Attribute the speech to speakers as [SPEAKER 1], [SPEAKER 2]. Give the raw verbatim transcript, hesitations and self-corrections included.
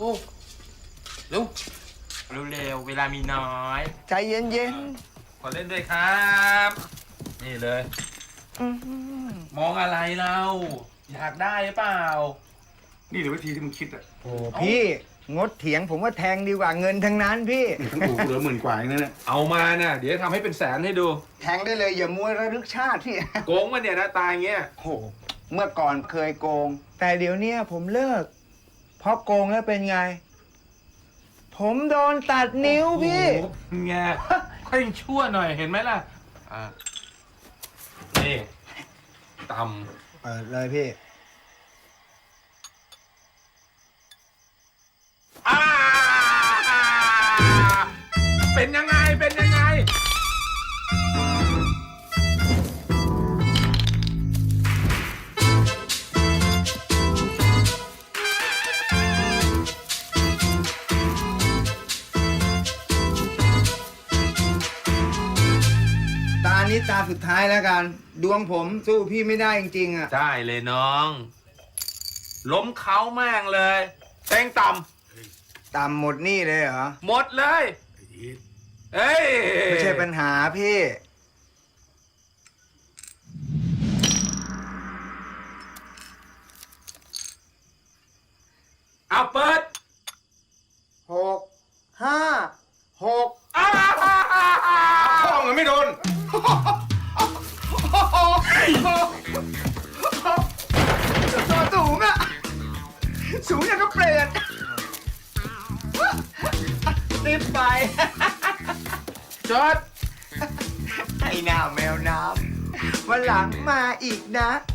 [SPEAKER 1] อ้เร็ว
[SPEAKER 2] เร็วๆเวลามีน้อย
[SPEAKER 3] ใจเย็น
[SPEAKER 1] ขอเล่นด้วยครับ นี่เลย
[SPEAKER 3] ๆอื้อหือ
[SPEAKER 1] มองอะไรเราอยากได้หรือเปล่า
[SPEAKER 4] นี่หรือวิธีที่มึงคิดอ่ะ
[SPEAKER 3] โอ้พี่งดเถียงผมว่าแทงดีกว่าเงินทั้งนั้นพี่
[SPEAKER 4] ทั้งอู่เหลือหมื่นกว่าเองนะเนี่ย
[SPEAKER 1] เอามาน่ะเดี๋ยวทำให้เป็นแสนให้ดู
[SPEAKER 3] แทงได้เลยอย่ามัวระลึกชาติพี่
[SPEAKER 1] โกงมาเนี่ยนะตายเงี้ย
[SPEAKER 3] โอ้โหเมื่อก่อนเคยโกง แต่เดี๋ยวเนี้ยผมเลิก เพราะโกงแล้วเป็นไง ผมโดนตัดนิ้วพี่
[SPEAKER 1] โอ้โหไงค่อยชั่วหน่อยเห็นไหมล่ะอ่ะนี่ต
[SPEAKER 3] เปิดเลยพี่
[SPEAKER 1] ำอ่าเป็นยังไงเป็นยังไง
[SPEAKER 3] ตานี้ตาสุดท้ายแล้วกัน ดวงผมสู้พี่ไม่ได้จริงๆอ่ะ
[SPEAKER 1] ได้เลยน้อง ล้มเขาแม่งเลยแตงต่
[SPEAKER 3] ต่ำหมดหนี่เลยเหรอ
[SPEAKER 1] ำหมดเลยเอ้ย
[SPEAKER 3] ไม่ใช่ปัญหาพี่
[SPEAKER 1] เอาเปิด
[SPEAKER 3] หก ห้า หก
[SPEAKER 1] อ้า
[SPEAKER 4] พ่อมันไม่โดน
[SPEAKER 3] ตัวสูงอะสูงอย่างก็เปรตรีบไป
[SPEAKER 1] จอด
[SPEAKER 3] ไอ้หน้าแมวน้ำวันหลังมาอีกนะ